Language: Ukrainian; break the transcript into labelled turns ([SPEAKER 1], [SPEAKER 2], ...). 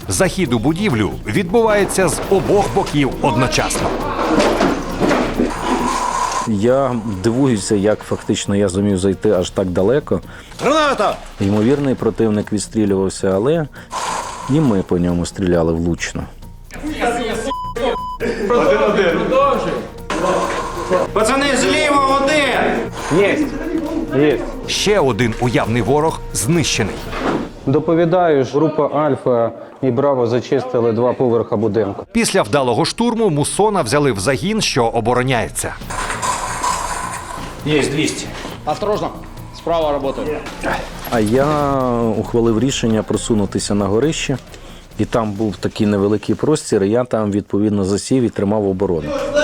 [SPEAKER 1] Захід у будівлю відбувається з обох боків одночасно.
[SPEAKER 2] Я дивуюся, як фактично я зумів зайти аж так далеко.
[SPEAKER 3] Граната!
[SPEAKER 2] Ймовірний противник відстрілювався, але і ми по ньому стріляли влучно.
[SPEAKER 3] Пацани, зліва один!
[SPEAKER 4] Є.
[SPEAKER 1] Ще один уявний ворог знищений.
[SPEAKER 4] Доповідаю, група Альфа і Браво зачистили 2 поверха будинку.
[SPEAKER 1] Після вдалого штурму Муссона взяли в загін, що обороняється.
[SPEAKER 3] Есть 200. Осторожно, справа работает.
[SPEAKER 2] А я ухвалив рішення просунутися на горище, і там був такий невеликий простір, і я там відповідно засів і тримав оборону.